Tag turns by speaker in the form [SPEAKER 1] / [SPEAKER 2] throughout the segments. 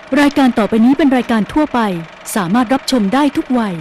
[SPEAKER 1] รายการต่อไปนี้เป็นรายการทั่วไปสามารถรับชมได้ทุกวัย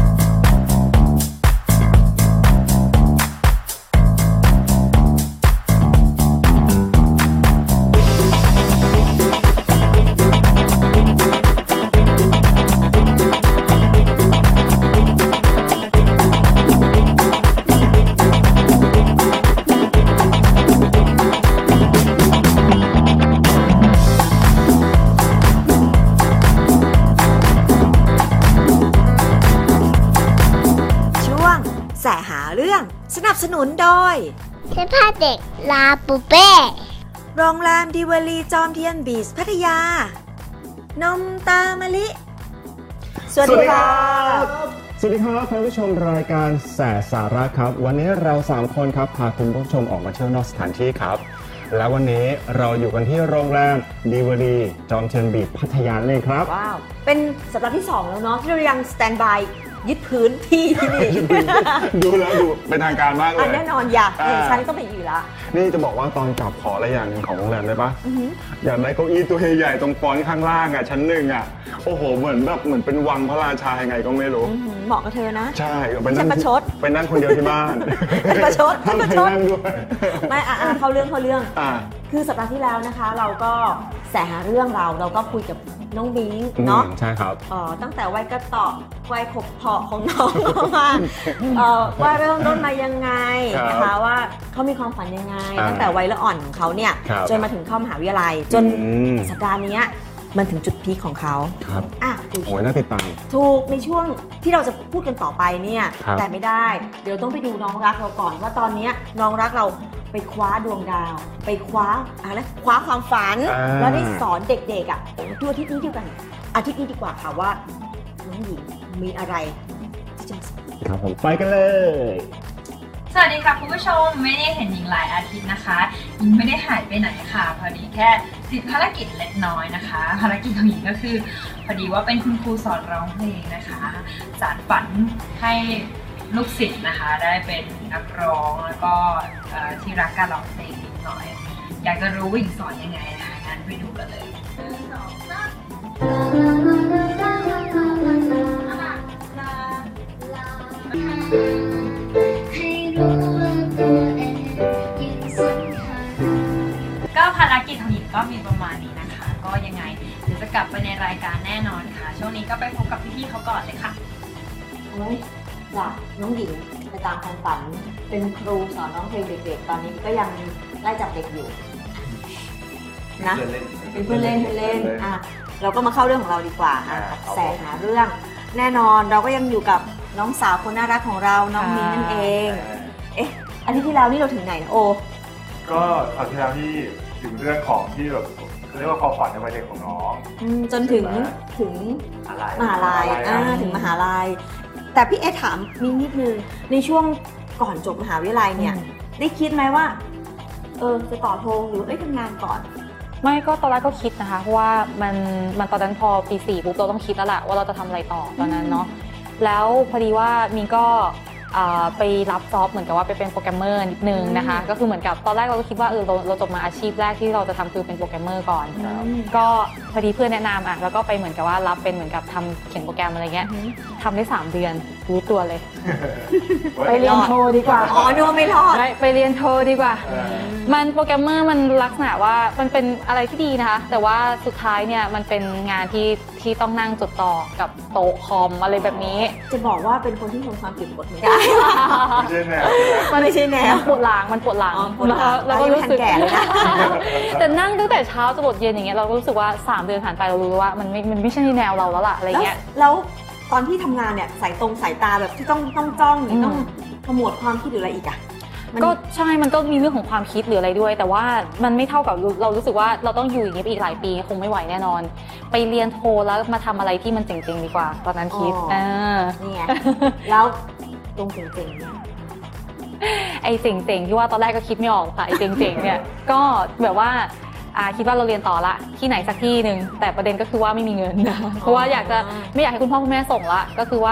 [SPEAKER 2] แสหาเรื่องสนับสนุนโดย
[SPEAKER 3] เสื้อผ้าเด็กลาปูเป้
[SPEAKER 2] โรงแรมดิวารีจอมเทียนบีชพัทยานมตามะลิสวัสดีครับ
[SPEAKER 4] สวัสดีครับท่านผู้ชมรายการแสสาระครับวันนี้เรา3คนครับพาคุณผู้ชมออกมาเที่ยวนอกสถานที่ครับและวันนี้เราอยู่กันที่โรงแรมดิวารีจอมเทียนบีชพัทยาเลยครับ
[SPEAKER 2] ว้าวเป็นสัปดาห์ที่2แล้วเนาะที่เรายังสแตนบายยึดพื้นที่ที่นี่
[SPEAKER 4] ดูแล้วดูเป็นทางการมากเลย
[SPEAKER 2] แน่นอนอยากฉันต้องไปอยู่ละ
[SPEAKER 4] นี่จะบอกว่าตอนกลับขออะไรอย่างหนึ่งของโรงแรมได้ปะอยากได้เก้าอี้ตัวใหญ่ๆตรงฟอนต์ข้างล่างอ่ะชั้น1อ่ะโอ้โหเหมือนเป็นวังพระราชายังไงก็ไม่รู้
[SPEAKER 2] เหมาะกับเธอนะ
[SPEAKER 4] ใช่ไปนั่ง
[SPEAKER 2] ประชด
[SPEAKER 4] ไปนั่งคนเดียวที่บ้าน
[SPEAKER 2] ประชด
[SPEAKER 4] ประชด
[SPEAKER 2] ไม่เข้าเรื่องคือสัปดาห์ที่แล้วนะคะเราก็แสหาเรื่องเราก็คุยกับน้องบิงเนาะ
[SPEAKER 4] ใช่ครับ
[SPEAKER 2] ตั้งแต่วัยกระต่อวัยขบเพาะของน้องมาว่าเริ่มต้นมายังไงนะคะว่าเขามีความฝันยังไงตั้งแต่วัยละอ่อนของเขาเนี่ยจนมาถึงเข้ามหาวิทยาลัยจนสัปดาห์นี้มันถึงจุดพีคของเขา
[SPEAKER 4] ครับโอ้ยน่าติดตาม
[SPEAKER 2] ถูกในช่วงที่เราจะพูดกันต่อไปเนี่ยแต่ไม่ได้เดี๋ยวต้องไปดูน้องรักเราก่อนว่าตอนนี้น้องรักเราไปคว้าดวงดาวไปคว้าความฝันแล้วได้สอนเด็กๆตัวอาทิตย์นี้เดียวกันอาทิตย์นี้ดีกว่าค่ะว่าน้องหญิงมีอะไรที่จะมาสอน
[SPEAKER 4] ครับผมไปกันเลย
[SPEAKER 5] สวัสดีค่ะคุณผู้ชมไม่ได้เห็นหญิงหลายอาทิตย์นะคะหญิงไม่ได้หายไปไหนค่ะพอดีแค่ติดภารกิจเล็กน้อยนะคะภารกิจของหญิงก็คือพอดีว่าเป็นคุณครูสอนร้องเพลงนะคะสานฝันให้ลูกศิษย์นะคะได้เป็นนักร้องแล้วก็ที่รักการร้องเพลงนิดหน่อยอยากจะรู้ว่าหญิงสอนยังไงนะคะงั้นไปดูกันเลยก็ภารกิจของหญิงก็มีประมาณนี้นะคะก็ยังไงเดี๋ยวจะกลับไปในรายการแน่นอนค่ะช่วงนี้ก็ไปพบกับพี่ๆเขาก่อนเลยค่ะ
[SPEAKER 2] จากน้องหญิงไปตามความฝันเป็นครูสอนร้องเพลงเด็กๆตอนนี้ก็ยังไล่จับเด็กอยู่นะเป็นเพื่อนเล่นเราก็มาเข้าเรื่องของเราดีกว่าแสหาเรื่องแน่นอนเราก็ยังอยู่กับน้องสาวคนน่ารักของเราน้องมิ้นนั่นเองอันที่แล้วนี่เราถึงไหนนะโอ
[SPEAKER 6] ก็ตอนที่แล้วที่ถึงเรื่องของที่แบบเรียกว่าความฝันในวัยเด็กของน้อง
[SPEAKER 2] จนถึงมหาลัยถึงมหาลัยแต่พี่ถามมิ้นนิดนึงในช่วงก่อนจบมหาวิทยาลัยเนี่ยได้คิดไหมว่าจะต่อโทหรือทำงานก่อน
[SPEAKER 7] ไม่ก็ตอนแรกก็คิดนะคะเพราะว่ามันตอนนั้นพอปี4ปุ๊บเราต้องคิดแล้วแหละว่าเราจะทำอะไรต่อตอนนั้นเนาะแล้วพอดีว่ามีก็ไปรับจ็อบเหมือนกับว่าไปเป็นโปรแกรมเมอร์นิดนึงนะคะก็คือเหมือนกับตอนแรกเราก็คิดว่าเราจบมาอาชีพแรกที่เราจะทำคือเป็นโปรแกรมเมอร์ก่อนก็พอดีเพื่อนแนะนำแล้วก็ไปเหมือนกับว่ารับเป็นเหมือนกับทำเขียนโปรแกรมอะไรเงี้ยทำได้3 เดือนรู้ตัวเลยไปเรียนโทดีกว่า
[SPEAKER 2] นึกว่าไม่รอด
[SPEAKER 7] ไปเรียนโทดีกว่ามันโปรแกรมเมอร์มันลักษณะว่ามันเป็นอะไรที่ดีนะคะแต่ว่าสุดท้ายเนี่ยมันเป็นงานที่ต้องนั่งจดต่อกับโต๊ะคอมอะไรแบบนี้
[SPEAKER 2] จะบอกว่าเป็นคนที่ทนความเก็บกดไม่ได้
[SPEAKER 6] ไม่ใช่แนว
[SPEAKER 2] มันไม่ใช่แนว
[SPEAKER 7] ปวดหลัง
[SPEAKER 2] แล้วก็รู้สึกแก่เลยนะ
[SPEAKER 7] แต่นั่งตั้งแต่เช้าจนหมดเย็นอย่างเงี้ยเราก็รู้สึกว่า3 เดือนผ่านไปเรารู้ว่ามันไม่ใช่แนวเราแล้วล่ะอะไรเงี้ย
[SPEAKER 2] แล้วตอนที่ทำงานเนี่ยสายตาแบบที่ต้องจ้องต้องขมวดความคิดหรืออะไรอีกอะ
[SPEAKER 7] ก็ใช่มันก็มีเรื่องของความคิดหรืออะไรด้วยแต่ว่ามันไม่เท่ากับเรารู้สึกว่าเราต้องอยู่อย่างนี้ไปอีกหลายปีคงไม่ไหวแน่นอนไปเรียนโทแล้วมาทำอะไรที่มันเจ๋งๆดีกว่าตอนนั้นคิด
[SPEAKER 2] นี่ไงแล้วตรงเจ๋งๆเนี่ย
[SPEAKER 7] ไอ้เจ๋งๆที่ว่าตอนแรกก็คิดไม่ออกค่ะไอ้เจ๋งๆเนี่ยก็แบบว่าคิดว่าเราเรียนต่อละที่ไหนสักที่หนึ่งแต่ประเด็นก็คือว่าไม่มีเงินนะเพราะว่าไม่อยากให้คุณพ่อคุณแม่ส่งละก็คือว่า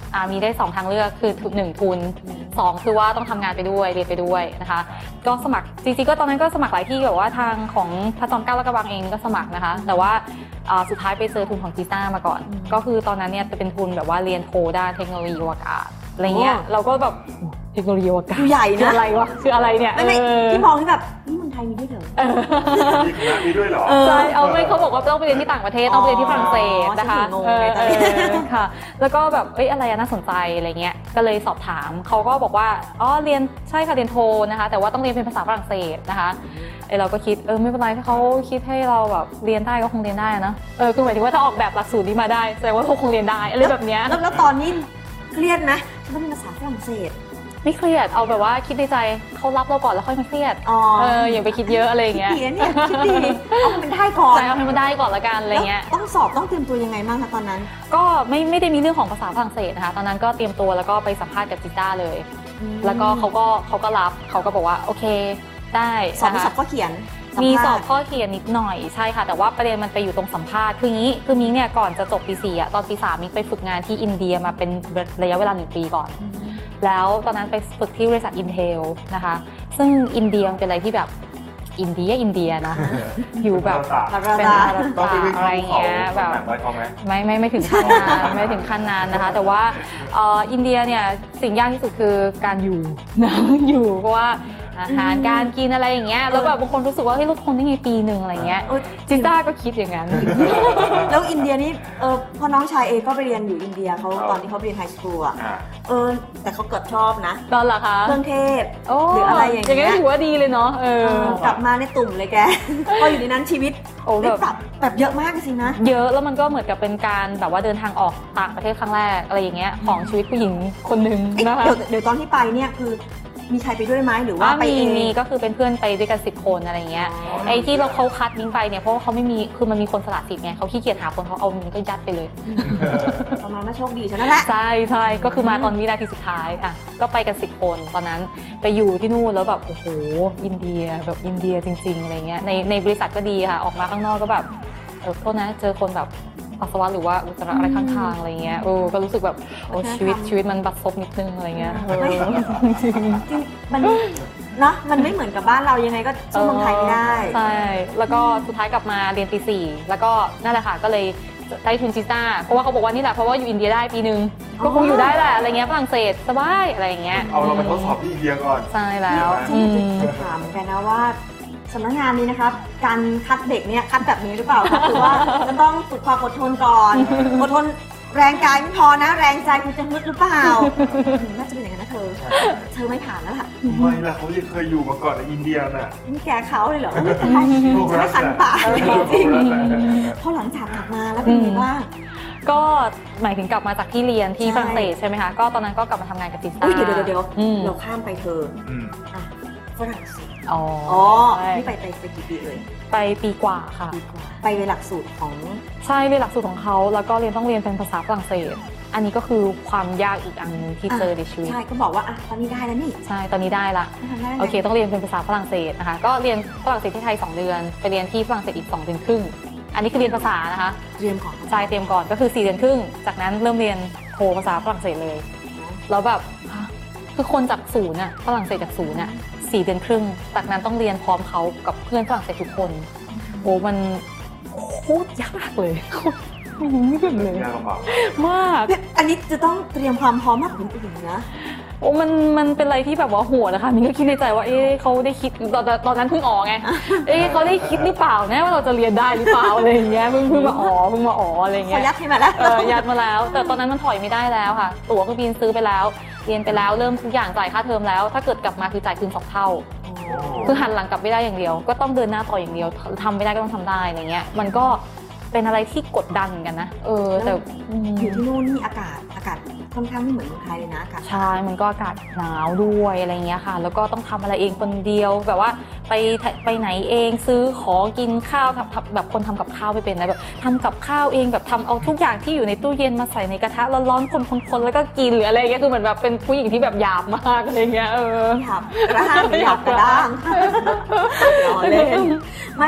[SPEAKER 7] มีได้2ทางเลือกคือ1ทุน2คือว่าต้องทำงานไปด้วยเรียนไปด้วยนะคะก็สมัครจริงๆก็ตอนนั้นก็สมัครหลายที่แบบว่าทางของพระจอมเกล้าและกระบังเองก็สมัครนะคะแต่ว่าสุดท้ายไปเจอทุนของจีซ่ามาก่อนก็คือตอนนั้นเนี่ยจะเป็นทุนแบบว่าเรียนโทด้านเทคโนโลยีอวกาศอะไรเงี้ยเราก็แบบเทคโนโลยีอวกาศ
[SPEAKER 2] คือใหญ่
[SPEAKER 7] คือ
[SPEAKER 2] นะ
[SPEAKER 7] อะไรวะคืออะไรเนี่ย
[SPEAKER 2] ไม่ที่มองที่แบบนี่เมืองไทยมีด้วยเหรอ
[SPEAKER 6] มีคณะนี้ด้วยเหรอ
[SPEAKER 7] ใช่เอาไม่เขาบอกว่าต้องไปเรียนที่ต่างประเทศต้องไปเรียนที่ฝรั่งเศสนะคะ
[SPEAKER 2] ฉันถึงงงเลยตอนนี้
[SPEAKER 7] ค่ะแล้วก็แบบอะไรน่าสนใจอะไรเงี้ยก็เลยสอบถามเขาก็บอกว่าอ๋อเรียนใช่ค่ะเรียนโทนะคะแต่ว่าต้องเรียนเป็นภาษาฝรั่งเศสนะคะเราก็คิดไม่เป็นไรถ้าเขาคิดให้เราแบบเรียนได้ก็คงเรียนได้นะคือหมายถึงว่าถ้าออกแบบหลักสูตรนี้มาได้แสดงว่าเขาคงเรียนได้อะไรแบบเนี้ย
[SPEAKER 2] แล้วตอนนี้เครียดไหมฉันต้องเป็นภาษาฝรั่งเศส
[SPEAKER 7] ไม่เครียดเอาแบบว่าคิดในใจเขารับเราก่อนแล้วค่อยมาเครียด อย่าไปคิดเยอะอะไรอย่างเงี้ย
[SPEAKER 2] คิดดีนะเนี่ยคิดดีเอาให้มันได้ก่อน
[SPEAKER 7] ใช่เอาให้มันได้ก่อนละกันอะไรเงี้ย
[SPEAKER 2] ต้องสอบต้องเตรียมตัวยังไงบ้างคะตอนนั้น
[SPEAKER 7] ก็ไม่ได้มีเรื่องของภาษาฝรั่งเศสนะคะตอนนั้นก็เตรียมตัวแล้วก็ไปสัมภาษณ์กับจิต้าเลยแล้วก็เขาก็รับเขาก็บอกว่าโอเคได้
[SPEAKER 2] สอบ
[SPEAKER 7] นะคะ
[SPEAKER 2] สอบข้อเขียน
[SPEAKER 7] มีสอบข้อเขียนนิดหน่อยใช่ค่ะแต่ว่าประเด็นมันไปอยู่ตรงสัมภาษณ์คืองี้คือมิ้งเนี่ยก่อนจะจบปี 4ตอนปี 3มิ้งไปฝึกงานที่อินเดียมาเป็นระยะเวลา1 ปีก่อนแล้วตอนนั้นไปฝึกที่บริษัท Intel นะคะซึ่งอินเดียเป็นอะไรที่แบบอินเดียนะอยู่แบบเป็นภาร
[SPEAKER 6] ต้องไป
[SPEAKER 7] ตา
[SPEAKER 6] วิ่ง
[SPEAKER 7] อะไรเงี้ยแบบ
[SPEAKER 6] ไว้เขาไหม
[SPEAKER 7] ไม่ถึงขั้นนั้นไม่ถึงขั้นนั้นนะคะแต่ว่าอินเดียเนี่ยสิ่งยากที่สุดคือการอยู่นะอยู่เพราะว่าอาหารการกินอะไรอย่างเงี้ยแล้วแบบบางคนรู้สึกว่าเฮ้ยเราทนได้ไงปีหนึ่งอะไรเงี้ยจิต้าก็คิดอย่างนั้น
[SPEAKER 2] แล้วอินเดียนี่พอน้องชายเอก็ไปเรียนอยู่อินเดียเขาตอนที่เขาเรียนไฮสคูลอ่ะแต่เขาเกิดชอบนะ
[SPEAKER 7] ตอนเหรอคะ
[SPEAKER 2] เครื่องเทศหรืออะไรอย่างเงี้ย
[SPEAKER 7] อย่างนี้ถือว่าดีเลยเนาะ
[SPEAKER 2] กลับมาในตุ่มเลยแก พออยู่ในนั้นชีวิตได้ปรับแบบเยอะมากสินะ
[SPEAKER 7] เยอะแล้วมันก็เหมือนกับเป็นการแบบว่าเดินทางออกต่างประเทศครั้งแรกอะไรอย่างเงี้ยของชีวิตผู้หญิงคนหนึ่งนะคะ
[SPEAKER 2] เดี๋ยวตอนที่ไปเนี่ยคือมีใครไปด้วยไหมหรือว่าไปเอง
[SPEAKER 7] มีก็คือเป็นเพื่อนไปด้วยกัน10 คนอะไรเงี้ยไอ้ที่เขาคัดมิ้งไปเนี่ยเพราะว่าเขาไม่มีคือมันมีคนสละสิทธิ์ไงเขาขี้เกียจหาคนเขาเอามิ้งก็ยัดไปเลย
[SPEAKER 2] ประมาณว่าโชคดีใช่ไหมล่ะ
[SPEAKER 7] ใช่ก็คือมาตอนวินาทีสุดท้ายก็ไปกัน10 คนตอนนั้นไปอยู่ที่นู่นแล้วแบบโอ้โหอินเดียแบบอินเดียจริงๆอะไรเงี้ยในบริษัทก็ดีค่ะออกมาข้างนอกก็แบบโทษนะเจอคนแบบปัสสาวะหรือว่าอุจจาระอะไรข้างๆอะไรเงี้ยก็รู้สึกแบบโอ้ชีวิตมันบัดซบนิดนึงอะไรเงี้ย
[SPEAKER 2] จริงมันเนาะมันไม่เหมือนกับบ้านเรายังไงก็สู้เมืองไทยไม่ได้
[SPEAKER 7] ใช่แล้วก็สุดท้ายกลับมาเรียนปี 4แล้วก็นั่นแหละค่ะก็เลยได้ทุนจิต้าเพราะว่าเขาบอกว่านี่แหละเพราะว่าอยู่อินเดียได้ปีนึงก็คงอยู่ได้แหละอะไรเงี้ยฝรั่งเศสสบายอะไรเงี้ย
[SPEAKER 6] เอาเราไปทดสอบที่อินเดียก่อน
[SPEAKER 7] ใช่แล้ว
[SPEAKER 2] จะถามเหมือนกันนะว่าสำนักงานนี้นะครับการคัดเด็กเนี่ยคัดแบบนี้หรือเปล่าคะคือว่าจะต้องฝึกความอดทนก่อนอดทนแรงกายไม่พอนะแรงใจคุณจะฮึดหรือเปล่าน่าจะเป็นอย่างนั้นนะเธอไม่ผ่านแล้วล่ะ
[SPEAKER 6] ไม่ล่ะเขาเคยอยู่มาก่อนในอินเดียน่ะ
[SPEAKER 2] นี่แกเขาเลยเหรอไม่เป็นไรฉันขันปากจริงพอหลังจากกลับมาแล้วเป็นไงบ้าง
[SPEAKER 7] ก็หมายถึงกลับมาจากที่เรียนที่ฝรั่งเศสใช่ไหมคะก็ตอนนั้นก็กลับมาทำงานกับจิต้า
[SPEAKER 2] เดี๋ยวเราข้ามไปเธอฝรั่งเศสนี่ไปกี่ปีเลย
[SPEAKER 7] ไปปีกว่าค่ะ
[SPEAKER 2] ไปในหลักสูตรของ
[SPEAKER 7] ใช่เรียนหลักสูตรของเขาแล้วก็ต้องเรียนเป็นภาษาฝรั่งเศสอันนี้ก็คือความยากอีกอันนึงที่เจอในชีวิต
[SPEAKER 2] ใช่ก็บอกว่าตอนนี้ได้แล้วนี่
[SPEAKER 7] ใช่ตอนนี้ได้ละโอเคต้องเรียนเป็นภาษาฝรั่งเศสนะคะก็เรียนฝรั่งเศสที่ไทย2 เดือนไปเรียนที่ฝรั่งเศสอีก2 เดือนครึ่งอันนี้คือเรียนภาษานะคะ
[SPEAKER 2] เตรียมก่อน
[SPEAKER 7] ใช่เตรียมก่อนก็คือ4 เดือนครึ่งจากนั้นเริ่มเรียนโทภาษาฝรั่งเศสเลยแล้วแบบคือคนจากศูนย์ฝรั่งเศสจากศูนย์4 เดือนครึ่งจากนั้นต้องเรียนพร้อมเขากับเพื่อนฝรั่งเศสทุกคนโอ้มันโคตรยากเลยไม่แบบเลยมาก
[SPEAKER 2] อันนี้จะต้องเตรียมความพร้อมมากกว่าคนอื่นนะ
[SPEAKER 7] โอ้มันเป็นอะไรที่แบบว่าโหดนะคะมิ้งก็คิดในใจว่าเขาได้คิดตอนนั้นเพิ่งออกไงเขาได้คิดหรือเปล่านะว่าเราจะเรียนได้หรือเปล่าอะไรอย่างเงี้ยเพิ่งมาอะไรเงี้ย
[SPEAKER 2] ยัดให้มาแล้ว
[SPEAKER 7] ยัดมาแล้วแต่ตอนนั้นมันถอยไม่ได้แล้วค่ะตั๋วเครื่องบินซื้อไปแล้วเรียนไปแล้วเริ่มทุกอย่างจ่ายค่าเทอมแล้วถ้าเกิดกลับมาคือจ่ายคืน2 เท่าคือหันหลังกลับไม่ได้อย่างเดียวก็ต้องเดินหน้าต่ออย่างเดียวทำไม่ได้ก็ต้องทำได้อะไรเงี้ยมันก็เป็นอะไรที่กดดันเหมือนกันนะแต่
[SPEAKER 2] อยู่ที่นู่นนี่อากาศค่อนข้างไม่เหมือนเมืองไทยเลยนะอากาศ
[SPEAKER 7] ใช่มันก็อากาศหนาวด้วยอะไรเงี้ยค่ะแล้วก็ต้องทำอะไรเองคนเดียวแบบว่าไปไหนเองซื้อของกินข้าวแบบคนทำกับข้าวไม่เป็นนะแบบทำกับข้าวเองแบบทำเอาทุกอย่างที่อยู่ในตู้เย็นมาใส่ในกระทะร้อนๆคนแล้วก็กินหรืออะไรเงี้ยคือเหมือนแบบเป็นผู้หญิงที่แบบหยาบมากอะไรเงี้ย
[SPEAKER 2] หยาบกระด้างไม่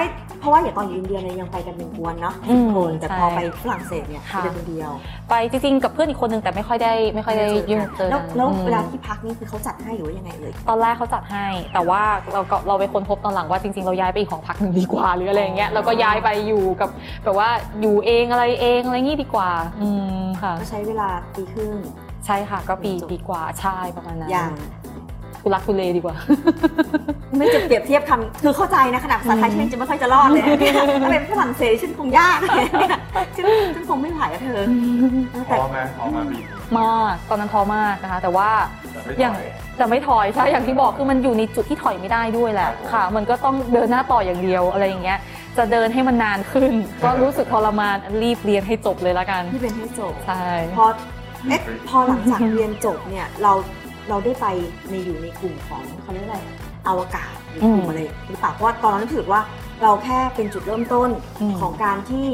[SPEAKER 2] เพราะว่าอย่างตอนอยู่อินเดียเนี่ยยังไปกันเป็นกวนเนาะ
[SPEAKER 7] อืม
[SPEAKER 2] คนแต่
[SPEAKER 7] ใช่
[SPEAKER 2] พอไปฝรั่งเศสเนี่ย
[SPEAKER 7] ค่ะ
[SPEAKER 2] ไปคนเดียว
[SPEAKER 7] ไปจริงๆกับเพื่อนอีกคนนึงแต่ไม่ค่อยได้ยุ่งเจอ
[SPEAKER 2] แล้ว
[SPEAKER 7] กัน
[SPEAKER 2] แล้ว
[SPEAKER 7] อืม
[SPEAKER 2] เวลาที่พักนี่คือเขาจัดให้หรือว่ายังไงเอ่ย
[SPEAKER 7] ตอนแรกเขาจัดให้ แต่ว่าเราไปค้นพบตอนหลังว่าจริงๆเราย้ายไปอีกหอพักหนึ่งดีกว่าหรืออะไรอย่างเงี้ยแล้วก็ย้ายไปอยู่กับแบบว่าอยู่เองอะไรงี้ดีกว่าค่ะ
[SPEAKER 2] ก็ใช้เวลาปีครึ่ง
[SPEAKER 7] ใช่ค่ะก็ปีกว่าใช่ประมาณนั้น
[SPEAKER 2] อย่าง
[SPEAKER 7] ทุลักทุเลดีกว่า
[SPEAKER 2] ไม่จะเปรียบเทียบคำคือเข้าใจนะขนาดภาษาไทยฉันจะไม่ค่อยจะรอดเลยเนี่ยถ้าเป็นฝรั่งเศสฉันคงยากเลยเนี่ยฉันคงไม่ไหวอะเธอ
[SPEAKER 6] ท้
[SPEAKER 2] แต่
[SPEAKER 6] อไหมท้อมาบี
[SPEAKER 7] มากตอนนั้นท้อมากนะคะ แต่ว่า
[SPEAKER 6] แต่ไม่
[SPEAKER 7] อย่าง
[SPEAKER 6] ถอย
[SPEAKER 7] แต่ไม่ถอยใช่อย่างที่บอกคือมันอยู่ในจุดที่ถอยไม่ได้ด้วยแหละค่ะ มันก็ต้องเดินหน้าต่ออย่างเดียวอะไรอย่างเงี้ยจะเดินให้มันนานขึ้น ก็รู้สึกทรมานรีบเรียนให้จบเลยละกัน
[SPEAKER 2] ที่เป็นให้จบ
[SPEAKER 7] ใช่
[SPEAKER 2] พอหลังจากเรียนจบเนี่ยเราได้ไปอยู่ในกลุ่มของเขาเรียกอะไรอวกาศหรือกลุ่มอะไรหรือเปล่าเพราะว่าตอนนั้นรู้สึกว่าเราแค่เป็นจุดเริ่มต้นของการที่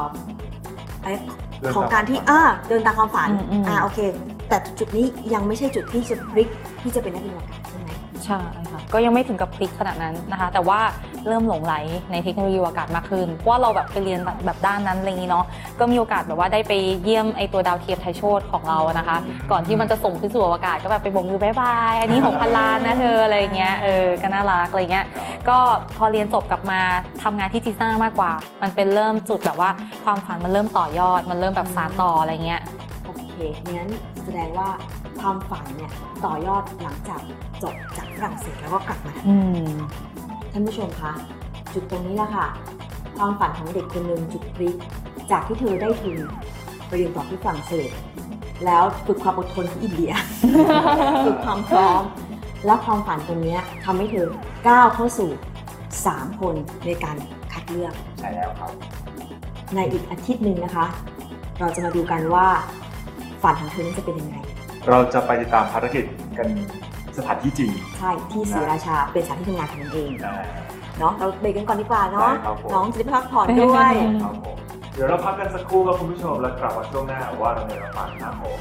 [SPEAKER 2] ของการที่เดินตามความฝันโอเค แต่จุดนี้ยังไม่ใช่จุดที่จะพลิกที่จะเป็นนักบินอวกาศใช่ไหม
[SPEAKER 7] ใช่ค่ะก็ยังไม่ถึงกับพลิกขนาดนั้นนะคะ แต่ว่าเริ่มหลงไหลในเทคโนโลยีอวกาศมากขึ้นเพราะว่าเราแบบไปเรียนแบบด้านนั้นอะไรอย่างนี้เนาะก็มีโอกาสแบบว่าได้ไปเยี่ยมไอตัวดาวเทียมไทยโชติของเรานะคะ ก่อนที่มันจะส่งขึ้นสู่อวกาศก็แบบไปบอกมือบายบายอันนี้6,000 ล้านนะเธออะไรอย่างเงี้ยก็น่ารักอะไรเงี้ยก็พอเรียนจบกลับมาทำงานที่จีซ่ามากกว่ามันเป็นเริ่มจุดแบบว่าความฝันมันเริ่มต่อยอดมันเริ่มแบบสานต่ออะไรเงี้ย
[SPEAKER 2] โอเคงั้นแสดงว่าความฝันเนี่ยต่อยอดหลังจากจบจากฝรั่งเศสแล้วก็กลับมาท่านผู้ชมคะจุดตรงนี้แหละค่ะความฝันของเด็กคนหนึ่งจุดพลิกจากที่เธอได้ทุนไปเรียนต่อที่ฝรั่งเศสแล้วฝึกความอดทนที่อินเดีย ฝึกความพร้อมแล้วความฝันตรงนี้ทำให้เธอก้าวเข้าสู่3 คนในการคัดเลือก
[SPEAKER 6] ใช่แล้วครับ
[SPEAKER 2] ในอีกอาทิตย์หนึ่งนะคะ เราจะมาดูกันว่าฝันของเธอนั้นจะเป็นยังไง
[SPEAKER 6] เราจะไปติดตามภารกิจกันสถานที่จริง
[SPEAKER 2] ใช่ที่ศรีราชาเป็นสถานที่ทำงานของมันเอง
[SPEAKER 6] อ่า
[SPEAKER 2] เนาะเราเบรกกันก่อนดีกว่าเนาะ
[SPEAKER 6] ได้ครับผม
[SPEAKER 2] น้องจะได้พักผ่อนด้วย
[SPEAKER 6] ครับผมเดี๋ยวเราพักกันสักครู่ครับคุณผู้ชมแล้วกลับมาช่วงหน้าว่าเราในฝันครับผม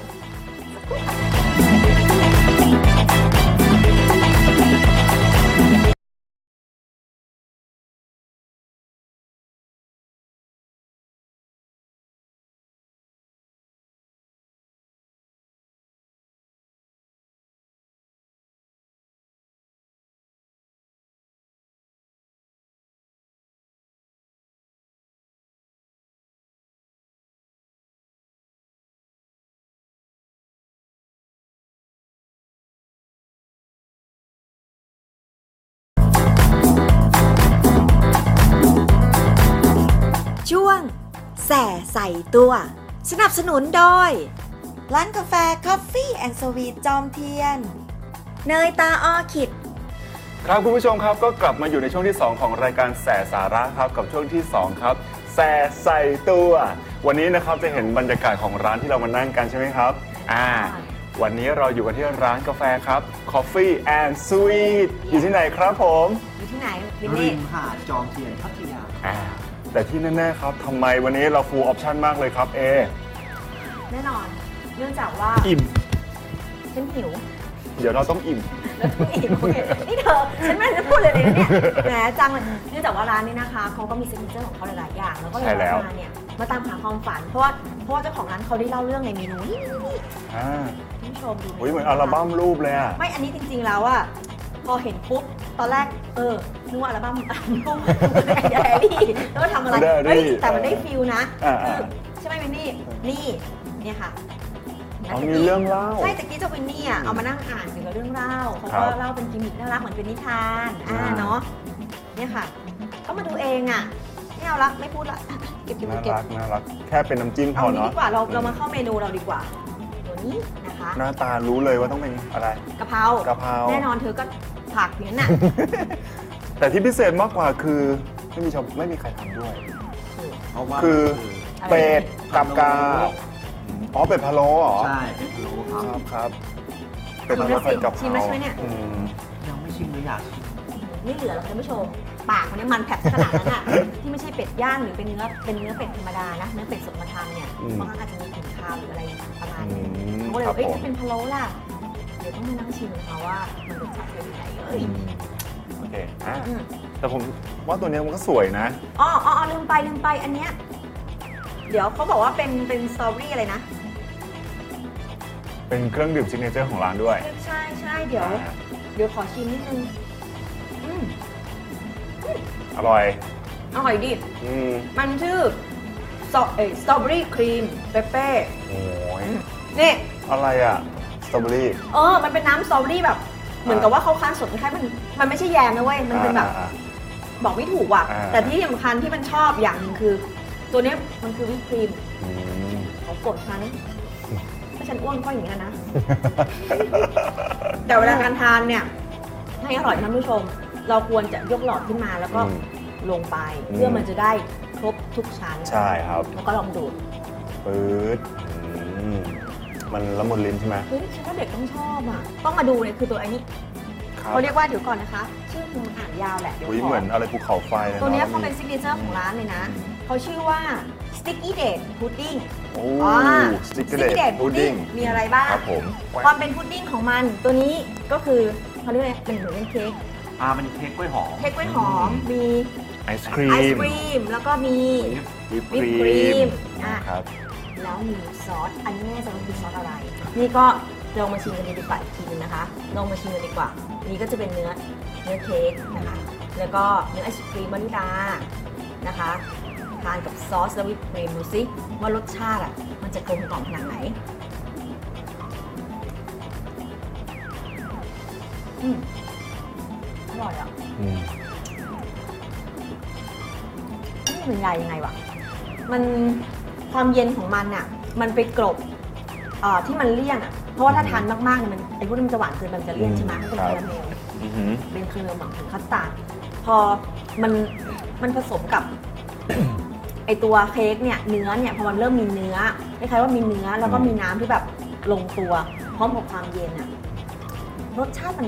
[SPEAKER 2] ช่วงแส่ใส่ตัว สนับสนุนโดย ร้านกาแฟ Coffee and Sweet จอมเทียน เนยตาออคิด
[SPEAKER 4] ครับคุณผู้ชมครับก็กลับมาอยู่ในช่วงที่ 2 ของรายการแส่สาระครับกับช่วงที่ 2 ครับแส่ใส่ตัว วันนี้นะครับจะเห็นบรรยากาศของร้านที่เรามานั่งกันใช่ไหมครับวันนี้เราอยู่กันที่ร้านกาแฟครับ Coffee and Sweet อยู่ที่ไหนครับผม
[SPEAKER 2] อยู่ที่ไหนวิน
[SPEAKER 8] ริ
[SPEAKER 2] นี่
[SPEAKER 8] มหาดจอมเทียนพัทยา
[SPEAKER 4] แต่ที่แน่ๆครับทำไมวันนี้เรา full option มากเลยครับ
[SPEAKER 2] แน่นอน เนื่องจากว่า
[SPEAKER 4] อิ่ม
[SPEAKER 2] ฉันหิว
[SPEAKER 4] เดี๋ยวเราต้องอิ่ม
[SPEAKER 2] อิ่มโอเคนี่เธอฉันไม่ได้จะพูดเลยนะเนี่ยแหมจังเลยเนื่องจากว่าร้านนี้นะคะเขาก็มีซิกเนเจอร์ของเขาหลายๆอย่างแล้วก็เลย
[SPEAKER 4] ใช่แล้ว
[SPEAKER 2] มาเนี่ยมาตามหาความฝันเพราะว่าเจ้าของร้านเขาได้เล่าเรื่องในเมนูนี่
[SPEAKER 4] อ่า
[SPEAKER 2] ท่านผู้ชมดู
[SPEAKER 4] โอ้ยเหมือนอัลบั้มรูปเลยอ่ะ
[SPEAKER 2] ไม่อันนี้จริงๆแล้วอะพอเห็นปุ๊บตอนแรกนึกว่าอัลบั้มรูปแดรี่แล้วก็ทำอะไร
[SPEAKER 4] Diary
[SPEAKER 2] เฮ้ยแต่มันได้ฟิลนะ
[SPEAKER 4] อ่า
[SPEAKER 2] คือใช่ไหมวินนี่นี่เนี่ยค่ะ
[SPEAKER 4] มีเรื่องเล่า
[SPEAKER 2] ใช่ตะกี้เจ้าวินนี่อะเอามานั่งอ่านเกี่ยวกับเรื่องเล่าเขา
[SPEAKER 4] ครั
[SPEAKER 2] ก็
[SPEAKER 4] บ
[SPEAKER 2] เล่าเป็นกิมมิคน่ารักเหมือนเป็นนิทานเนาะเนี่ยค่ะก็มาดูเองอะไม่เอาละไม่พูดละเก็บ
[SPEAKER 4] น่า
[SPEAKER 2] เก็บ
[SPEAKER 4] รักน่ารักแค่เป็นน้ำจิ้มพ
[SPEAKER 2] เอา
[SPEAKER 4] อ
[SPEAKER 2] นี้
[SPEAKER 4] เนาะ
[SPEAKER 2] ดีกว่าเรามาเข้าเมนูเราดีกว่าตัวนี้นะคะ
[SPEAKER 4] หน้าตารู้เลยว่าต้องเป็นอะไร
[SPEAKER 2] กะเพราก
[SPEAKER 4] ะเพรา
[SPEAKER 2] แน่นอนเธอก็ผักอย่างนั้นน่ะ
[SPEAKER 4] แต่ที่พิเศษมากกว่าคือไม่มีใครทำด้วย
[SPEAKER 8] เพราะว่า
[SPEAKER 4] คือ
[SPEAKER 2] อะไร
[SPEAKER 4] เป็ดกับกาอ๋อเป็ดพะโล้เหรอ
[SPEAKER 8] ใช่เป็นพะโล้ค
[SPEAKER 4] ครับ รับครับเป็ด
[SPEAKER 2] ชิ
[SPEAKER 4] พะ
[SPEAKER 2] ม
[SPEAKER 4] โล้
[SPEAKER 2] แล้วสิ
[SPEAKER 4] ผัดกะเพ
[SPEAKER 2] ชิม
[SPEAKER 4] รา
[SPEAKER 2] แล้วใช่ไหมเนี่ย
[SPEAKER 8] ยังไม่ชิมเลยอยากชิม
[SPEAKER 2] ไม่เหลือหรอกท่านผู้ชมปากมันเนี่ยมันแผลบขนาดนั้นอ่ะ ที่ไม่ใช่เป็ดย่างหรือเป็นเนื้อเป็ดธรรมดานะเนื้อเป็ดสดมาทำเนี่ยบางครั้งอาจจะมีกลิ่นคาวหรืออะไรประมาณนี้เขาก็เลย
[SPEAKER 4] ครับ
[SPEAKER 2] เอ้ย
[SPEAKER 4] ผม
[SPEAKER 2] ถ้าเป็นพะโล้ล่ะเดี๋ยวต้องมานั่งชิมนะคะว่ามันรสชาติเป็นยังไงเอ้ย
[SPEAKER 4] โอเคแต่ผมว่าตัวเนี้ยมันก็สวยนะ
[SPEAKER 2] อ๋อลืมไปอันเนี้ยเดี๋ยวเขาบอกว่าเป็นสตรอเบอรี่อะไรนะ
[SPEAKER 4] เป็นเครื่องดื่มซิกเนเจอร์ของร้านด้วย
[SPEAKER 2] ใช่เดี๋ยวขอชิมนิดนึงอืม
[SPEAKER 4] อร่อย
[SPEAKER 2] อร่อยดิ
[SPEAKER 4] อืม
[SPEAKER 2] มันชื่อสตรอเบอรี่ครีมเปเป้
[SPEAKER 4] โอ้ย
[SPEAKER 2] นี่
[SPEAKER 4] อะไรอ่ะ สตรอเบอรี่
[SPEAKER 2] มันเป็นน้ำสตรอเบอรี่แบบ เหมือนกับว่าเขาคั้นสดคล้ายมันไม่ใช่แยมนะเว้ย มันเป็นแบบ บอกไม่ถูกว่ะ แต่ที่สำคัญที่มันชอบอย่างหนึงคือ ตัวเนี้ยมันคือวิปครีม
[SPEAKER 4] อืม
[SPEAKER 2] ของโปรดฉันถ้าฉันอ้วนก็อย่างนี้นะ แต่เวลาการทานเนี่ย ให้อร่อยท่านผู้ชม เราควรจะยกหลอดขึ้นมาแล้วก็ลงไป เพื่อมันจะได้ครบทุกชั้น
[SPEAKER 4] ใช่ครับ
[SPEAKER 2] แล้วก็ลองดูด
[SPEAKER 4] ปื๊ดอืมมันละมุนลิ้นใช่ไหม
[SPEAKER 2] เฮ้ยฉันว่าเด็กต้องชอบอ่ะ ต้องมาดูเนี่ยคือตัวไอ้นี้
[SPEAKER 4] ครับ
[SPEAKER 2] เขาเรียกว่าเดี๋ยวก่อนนะคะ ชื่อคือมันอ่านยาวแหละเดี๋ยว
[SPEAKER 4] อุ้ย
[SPEAKER 2] ขอ
[SPEAKER 4] เหมือนอะไรภูเขาไฟเลย
[SPEAKER 2] ตัวเนี้ย
[SPEAKER 4] อะ
[SPEAKER 2] เขาเป็นซิกเนเจอร์ของร้านเลยนะ เขาชื่อว่า Sticky Date Pudding
[SPEAKER 4] โอ้
[SPEAKER 2] ส
[SPEAKER 4] ส
[SPEAKER 2] ติ๊
[SPEAKER 4] ติ๊
[SPEAKER 2] ก
[SPEAKER 4] ก
[SPEAKER 2] เก
[SPEAKER 4] เก
[SPEAKER 2] อ
[SPEAKER 4] อ
[SPEAKER 2] ร์
[SPEAKER 4] ร์
[SPEAKER 2] พุ
[SPEAKER 4] พุ
[SPEAKER 2] ด
[SPEAKER 4] ด
[SPEAKER 2] ดิ้
[SPEAKER 4] ดิ้
[SPEAKER 2] ง
[SPEAKER 4] ง
[SPEAKER 2] มีอะไรบ้าง
[SPEAKER 4] ครับผม
[SPEAKER 2] ความเป็นพุดดิ้งของมันตัวนี้ก็คือเขาเรียกอะไรเป็นเหมือนเป็นเค้ก
[SPEAKER 8] เป็นเค้กกล้วยหอม
[SPEAKER 2] เค้กกล้วยหอม มี
[SPEAKER 4] ไอศครี
[SPEAKER 2] ไอศ
[SPEAKER 4] ม
[SPEAKER 2] ครีม แล้วก็มี
[SPEAKER 4] วิป
[SPEAKER 2] วิป
[SPEAKER 4] ค
[SPEAKER 2] ครี
[SPEAKER 4] รีม
[SPEAKER 2] มอ่ะ
[SPEAKER 4] ครับ
[SPEAKER 2] แล้วมีซอส อันนี้ไม่แน่ใจว่าคือซอสอะไร นี่ก็ลองมาชิมกันดีกว่าอีกทีนึงนะคะ ลองมาชิมกันดีกว่า นี่ก็จะเป็นเนื้อเค้กนะคะ แล้วก็เนื้อไอศครีมวานิลานะคะ ทานกับซอสและวิปครีมดูซิว่ารสชาติอ่ะมันจะกลมกล่อมขนาดไหนอร่อยอ่ะ
[SPEAKER 4] อืม
[SPEAKER 2] นี่มันใหญ่ยังไงวะ มันความเย็นของมันอ่ะ มันไปกลบที่มันเลี่ยนอ่ะ เพราะว่าถ้าทานมากๆเนี่ยมันไอ้พวกนี้มันจะหวานเกินมันจะเลี่ยนใช่ไหมมันเป็นคาราเมล
[SPEAKER 4] อือหือ
[SPEAKER 2] เป็นคาราเมลหมักถึงคัสตาร์ดพอมันผสมกับ ไอตัวเค้กเนี่ยเนื้อเนี่ยพอมันเริ่มมีเนื้อคล้ายๆว่ามีเนื้อแล้วก็มีน้ำที่แบบลงตัว พร้อมกับความเย็นอ่ะรสชาติมัน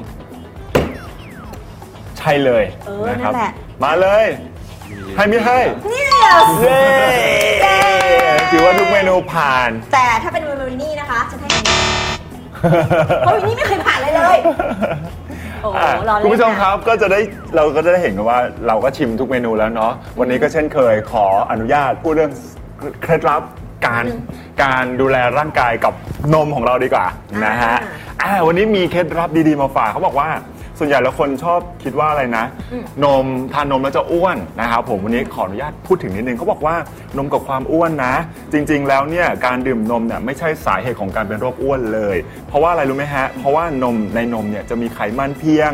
[SPEAKER 4] ใช่เลย
[SPEAKER 2] นั่นแหละ
[SPEAKER 4] มาเลย ให้ไม่ให้
[SPEAKER 2] เนี่ย
[SPEAKER 4] เย้ถือว่าทุกเมนูผ่าน
[SPEAKER 2] แต่ถ้าเป็นวินนี่นะคะจะให้อันนี้เพราะวินนี่ไม่เคยผ่านเลยเลย โอ้โหรอเล่นนะ
[SPEAKER 4] คุณผู้ชมครับเราก็จะได้เห็นกันว่าเราก็ชิมทุกเมนูแล้วเนาะวันนี้ก็เช่นเคยขออนุญาตพูดเรื่องเคล็ดลับการดูแลร่างกายกับนมของเราดีกว่านะฮะวันนี้มีเคล็ดลับดีๆมาฝากเขาบอกว่าส่วนใหญ่แล้วคนชอบคิดว่าอะไรนะ นมทานนมแล้วจะอ้วนนะครับผมวันนี้ขออนุญาตพูดถึงนิดนึงเขาบอกว่านมกับความอ้วนนะ จริงๆแล้วเนี่ยการดื่มนมเนี่ยไม่ใช่สาเหตุของการเป็นโรคอ้วนเลย เพราะว่าอะไรรู้ไหมฮะเพราะว่านมในนมเนี่ยจะมีไขมันเพียง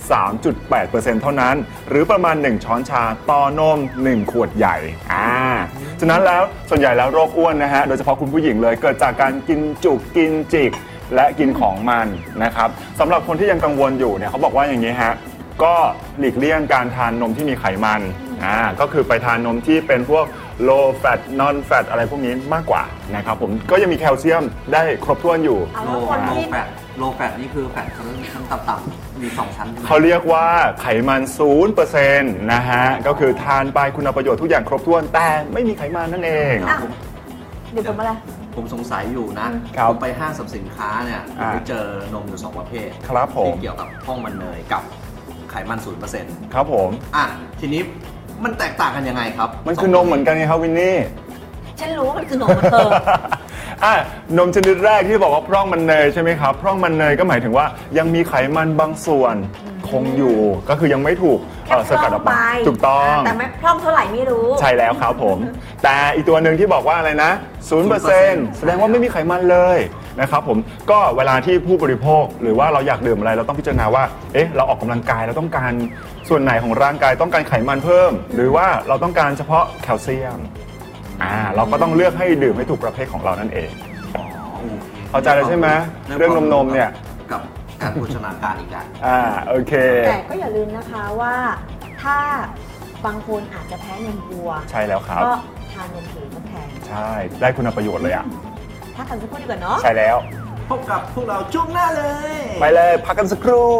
[SPEAKER 4] 3.8% เท่านั้น หรือประมาณ 1 ช้อนชาต่อนม 1 ขวดใหญ่ฉะนั้นแล้วส่วนใหญ่แล้วโรคอ้วนนะฮะโดยเฉพาะคุณผู้หญิงเลยเกิดจากการกินจุกกินจิกและกินของมันนะครับสำหรับคนที่ยังกังวลอยู่เนี่ยเขาบอกว่าอย่างนี้ฮะก็หลีกเลี่ยงการทานนมที่มีไขมันก็คือไปทานนมที่เป็นพวก low fat non fat อะไรพวกนี้มากกว่านะครับผมก็ยังมีแคลเซียมได้ครบถ้วนอยู่
[SPEAKER 2] เอา
[SPEAKER 8] โล
[SPEAKER 2] แล้วคนที่
[SPEAKER 8] โลแฟตนี่คือแฟตชั้นต่ำๆมี 2 ชั้นใช่ไหม
[SPEAKER 4] เขาเรียกว่าไขมัน 0% นะฮะก็คือทานไปคุณประโยชน์ทุกอย่างครบถ้วนแต่ไม่มีไขมันนั่นเอง
[SPEAKER 2] อ่ะเดี๋ยวผมอะไร
[SPEAKER 8] ผมสงสัยอยู่นะครับ ผมไปห้างสรรพสินค้าเนี่ยผมไปเจอนมอยู่ 2 ประเภท
[SPEAKER 4] ครับผม
[SPEAKER 8] ที่เกี่ยวกับห้องมันเนยกับไขมัน 0%
[SPEAKER 4] ครับผม
[SPEAKER 8] ทีนี้มันแตกต่างกันยังไงครับ
[SPEAKER 4] มันคือนมเหมือนกันไงครับวินนี่
[SPEAKER 2] ฉันรู้ว่ามันคือนมของเธอ
[SPEAKER 4] นมชนิดแรกที่บอกว่าพร่องมันเนยใช่ไหมครับพร่องมันเนยก็หมายถึงว่ายังมีไขมันบางส่วนคงอยู่ ก็คือยังไม่ถูก
[SPEAKER 2] แค่
[SPEAKER 4] สกัดออกมา
[SPEAKER 2] พร่องไป
[SPEAKER 4] ถูกต้อง
[SPEAKER 2] แต่ไม่พร่องเท่าไหร่ไม่รู้
[SPEAKER 4] ใช่แล้วครับผม แต่อีกตัวหนึ่งที่บอกว่าอะไรนะ 0% แสดงว่าไม่มีไขมันเลยนะครับผมก็เวลาที่ผู้บริโภคหรือว่าเราอยากดื่มอะไรเราต้องพิจารณาว่าเราออกกำลังกายเราต้องการส่วนไหนของร่างกายต้องการไขมันเพิ่ม หรือว่าเราต้องการเฉพาะแคลเซียมเราก็ต้องเลือกให้ดื่มให้ถูกประเภทของเรานั่นเองเข้าใจแล้วใช่ไหมเรื่องนมเนี่ย
[SPEAKER 8] กับการโภชนาการอีกแล้ว
[SPEAKER 4] โอเค
[SPEAKER 2] แต่ก็อย่าลืมนะคะว่าถ้าบางคนอาจจะแพ้นมวัว
[SPEAKER 4] ใช่แล้วครับ
[SPEAKER 2] ก็ทานนมผืนทดแทน
[SPEAKER 4] ใช่ได้คุณประโยชน์เลยอ่ะ
[SPEAKER 2] ถ้ากันสักครู่ดีกว่าเนาะ
[SPEAKER 4] ใช่แล้ว
[SPEAKER 8] พบกับพวกเราช่วงหน้าเลย
[SPEAKER 4] ไปเลยพักกันสักครู่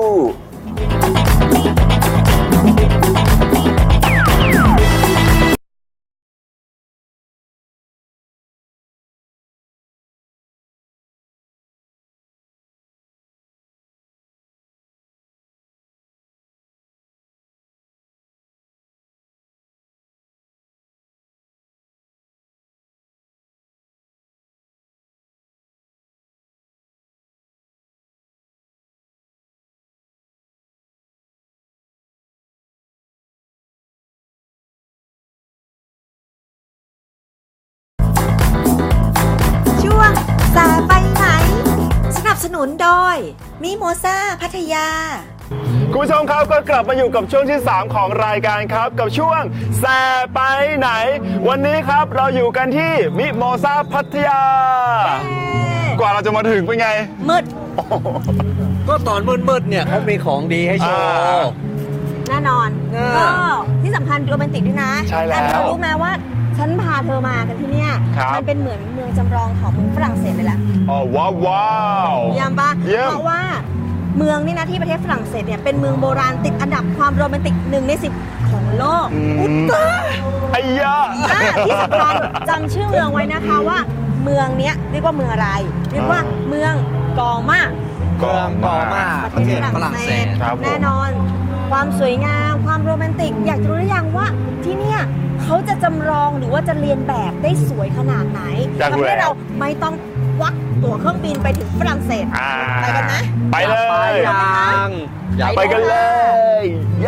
[SPEAKER 2] สนุนโดยมิโมซ่าพัทยา
[SPEAKER 4] คุณผู้ชมครับก็กลับมาอยู่กับช่วงที่ 3 ของรายการครับกับช่วงแซ่ไปไหน วันนี้ครับเราอยู่กันที่มิโมซาพัทยา กว่าเราจะมาถึงเป็นไง
[SPEAKER 2] มืด
[SPEAKER 8] ก็ตอนมืดๆเนี่ยเขามีของดีให้โชว์
[SPEAKER 2] แน่นอน ก็ที่สำคัญโรแมนติกด้วยนะ
[SPEAKER 4] ใช่แล้ว
[SPEAKER 2] ต่เธอรู้ไหมว่าฉันพาเธอมากันที่เนี่ย
[SPEAKER 4] ครับ
[SPEAKER 2] มันเป็นเหมือนเมืองจำลองของเมืองฝรั่งเศสเลยแหละ
[SPEAKER 4] อ๋อว้าวว้าว
[SPEAKER 2] เยี่ยมปะ
[SPEAKER 4] เยี่ยม
[SPEAKER 2] เพราะว่าเมืองนี่นะที่ประเทศฝรั่งเศสเนี่ยเป็นเมืองโบราณติดอันดับความโรแมนติก1 ใน 10ของโลกอุตตะ
[SPEAKER 4] ไอ้ยะ
[SPEAKER 2] ที่สำคัญจำชื่อเมืองไว้นะคะว่าเมืองเนี้ยเรียกว่าเมืองอะไร เรียกว่าเมืองกอมา
[SPEAKER 8] เมืองกอมาประเทศฝรั่งเศส
[SPEAKER 4] ครับผม
[SPEAKER 2] แน่นอน ความสวยงามความโรแมนติก อยากจะรู้หรือยังว่าที่เนี่ยเขาจะจำลองหรือว่าจะเรียนแบบได้สวยขนาดไหน
[SPEAKER 4] อยากรู้
[SPEAKER 2] ทำให้
[SPEAKER 4] แล้ว
[SPEAKER 2] เราไม่ต้องควักตั๋วเครื่องบินไปถึงฝรั่งเศส ไปกันนะ
[SPEAKER 4] ไปเลย
[SPEAKER 8] อยาก
[SPEAKER 4] ไปกันเลย เย้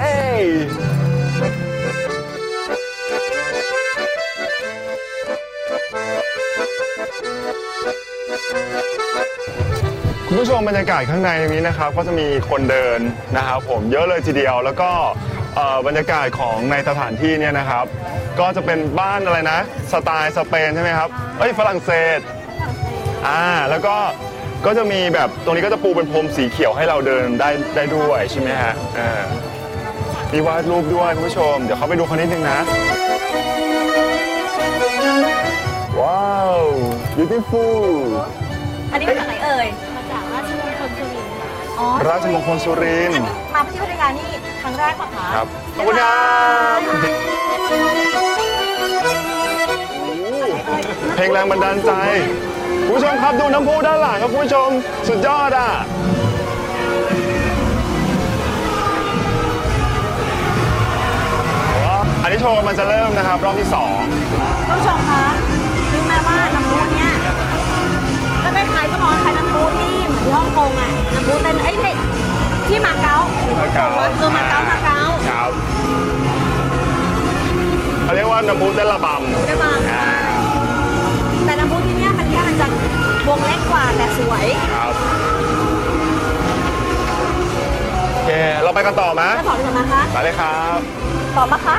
[SPEAKER 4] คุณผู้ชมบรรยากาศข้างในนี้นะครับก็จะมีคนเดินนะครับผมเยอะเลยทีเดียวแล้วก็บรรยากาศของในสถานที่เนี่ยนะครับ ก็จะเป็นบ้านอะไรนะสไตล์สเปนใช่ไหมครับเอ้ยฝรั่งเศสแล้วก็จะมีแบบตรงนี้ก็จะปูเป็นพรมสีเขียวให้เราเดินได้ด้วยใช่ไหมฮะมีวาดรูปด้วยคุณผู้ชมเดี๋ยวเขาไปดูเขานิดนึงนะว้าว beautiful
[SPEAKER 2] อันนี้มาจากไหนเอ่ย
[SPEAKER 3] มาจากราชมงคลสุรินทร์ค่ะ
[SPEAKER 2] อ๋อ
[SPEAKER 4] ราชมงคลสุรินทร์
[SPEAKER 2] มาที่พัทยานี่ครั้งแรกป่ะคะ
[SPEAKER 4] ครับขอบคุณครับเพลงแรงบันดาลใจคุณผู้ชมครับดูน้ำพุด้านหลังครับคุณผู้ชมสุดยอดอ่ะอันนี้โชว์มันจะเริ่มนะครับรอบที่ 2
[SPEAKER 2] ท่านผู้ชมคะรู้ไหมว่าน้ำพุเนี่ยก็คล้ายๆก็มองคล้ายน้ำพุที่เหมือนที่ฮ่องกงอ่ะน้ำพุเต้นที่มาเก๊า
[SPEAKER 4] มาเก๊า
[SPEAKER 2] มาเก๊า
[SPEAKER 4] ครับเขาเรียกว่าน้ำพุเต้นระบำ
[SPEAKER 2] ได้บ้างแต่น้ำพุที่เนี่ยมันจะวงเล็กกว่าแต่สวย
[SPEAKER 4] ครับโอเคเราไปกันต่อไหม
[SPEAKER 2] จะถอดดีกว่านะคะ
[SPEAKER 4] ไปเลยครับ
[SPEAKER 2] ตอบปะคะ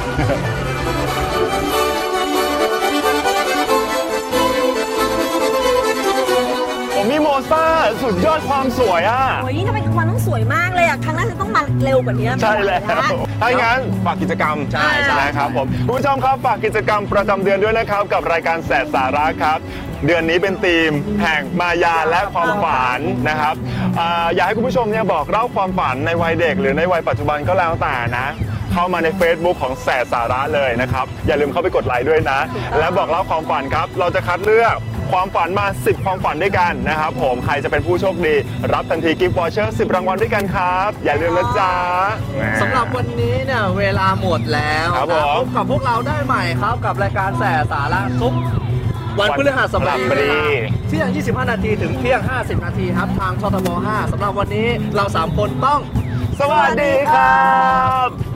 [SPEAKER 4] ผมมีโมซ่าสุดยอดความสวยอ่ะ
[SPEAKER 2] โอ้ยนี่ทำไมมันต้องสวยมากเลยอ่ะครั้งหน้าจะต้องมาเร็วกว่านี้
[SPEAKER 4] ใช่แล้วถ้าอย่างนั้นฝากกิจกรรม
[SPEAKER 8] ใช่
[SPEAKER 4] นะครับผมคุณผู้ชมครับฝากกิจกรรมประจำเดือนด้วยนะครับกับรายการแสสาระครับ เดือนนี้เป็นธีมแห่งมายาและความฝันนะครับอยากให้คุณผู้ชมเนี่ยบอกเล่าความฝันในวัยเด็กหรือในวัยปัจจุบันก็แล้วแต่นะ เข้ามาใน Facebook ของแสสาระเลยนะครับอย่าลืมเข้าไปกดไลค์ด้วยนะ และบอกเล่าความฝันครับเราจะคัดเลือกความฝันมา10ความฝันด้วยกันนะครับผมใครจะเป็นผู้โชคดีรับทันทีกิฟต์วอเชอร์10รางวัลด้วยกันครับอย่าลืมนะจ๊ะ
[SPEAKER 8] สำหรับวันนี้เนี่ยเวลาหมดแล้ว
[SPEAKER 4] ครับ
[SPEAKER 8] นะ
[SPEAKER 4] ผม
[SPEAKER 8] พบกับพวกเราได้ใหม่ครับกับรายการแสสาระทุกวันพฤหัสบดี
[SPEAKER 4] วันพฤหัสบดี
[SPEAKER 8] เที่ยง 25 นาทีถึงเที่ยง 50 นาทีครับทางชทบ 5สำหรับวันนี้เรา 3 คนต้อง
[SPEAKER 4] สวัสดีครับ